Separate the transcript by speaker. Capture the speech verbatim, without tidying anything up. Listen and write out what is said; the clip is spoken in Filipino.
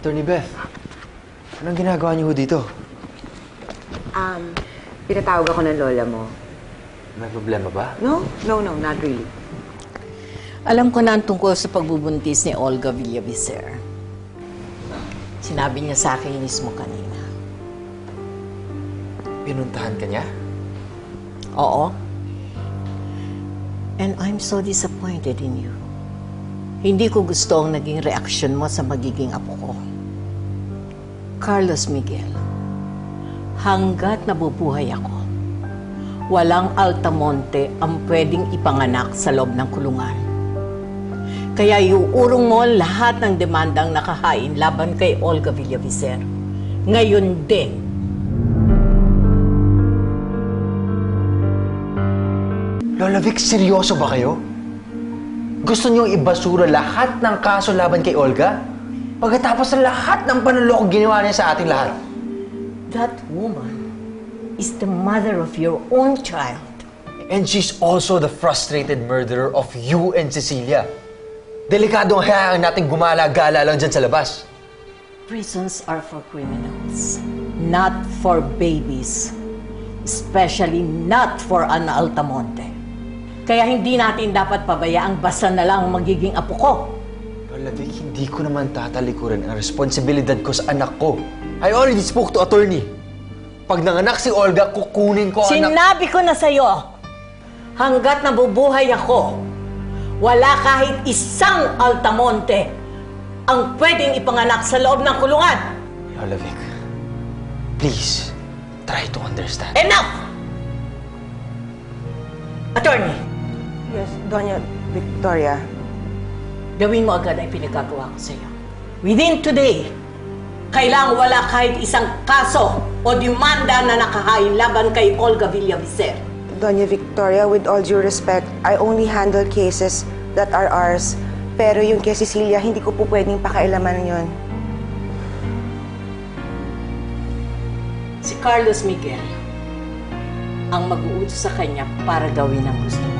Speaker 1: Attorney Beth, anong ginagawa niyo ho dito?
Speaker 2: Um, pinatawag ako ng lola mo.
Speaker 1: May problema ba?
Speaker 2: No, no, no, not really.
Speaker 3: Alam ko na ang tungkol sa pagbubuntis ni Olga Villavicer. Sinabi niya sa akin mismo kanina.
Speaker 1: Pinuntahan ka niya?
Speaker 3: Oo. And I'm so disappointed in you. Hindi ko gusto ang naging reaksyon mo sa magiging apo ko. Carlos Miguel, hanggat nabubuhay ako, walang Altamonte ang pwedeng ipanganak sa loob ng kulungan. Kaya iuurong mo lahat ng demandang nakahain laban kay Olga Villavicer. Ngayon din.
Speaker 1: Lola Vic, seryoso ba kayo? Gusto niyong ibasura lahat ng kaso laban kay Olga? Pagkatapos ng lahat ng panuloko ginawa niya sa ating lahat.
Speaker 3: That woman is the mother of your own child.
Speaker 1: And she's also the frustrated murderer of you and Cecilia. Delikadong hayaan natin gumala-gala lang dyan sa labas.
Speaker 3: Prisons are for criminals, not for babies. Especially not for an Altamonte. Kaya hindi natin dapat pabayaang basta na lang magiging apo ko.
Speaker 1: Lola Vic, hindi ko naman tatalikuran ang responsibilidad ko sa anak ko. I already spoke to attorney. Pag nanganak si Olga, kukunin ko anak...
Speaker 3: Sinabi ko na sa'yo, hanggat nabubuhay ako, wala kahit isang Altamonte ang pwedeng ipanganak sa loob ng kulungan.
Speaker 1: Lola Vic, please, try to understand.
Speaker 3: Enough! Attorney,
Speaker 2: Yes, Doña Victoria.
Speaker 3: gawin mo agad ang pinagagawa ko sa'yo. Within today, kailangang wala kahit isang kaso o demanda na nakahain laban kay Olga Villavicer.
Speaker 4: Doña Victoria, with all due respect, I only handle cases that are ours. Pero yung kay Cecilia, hindi ko po pwedeng pakailaman yon.
Speaker 3: Si Carlos Miguel ang mag-uutos sa kanya para gawin ang gusto niya.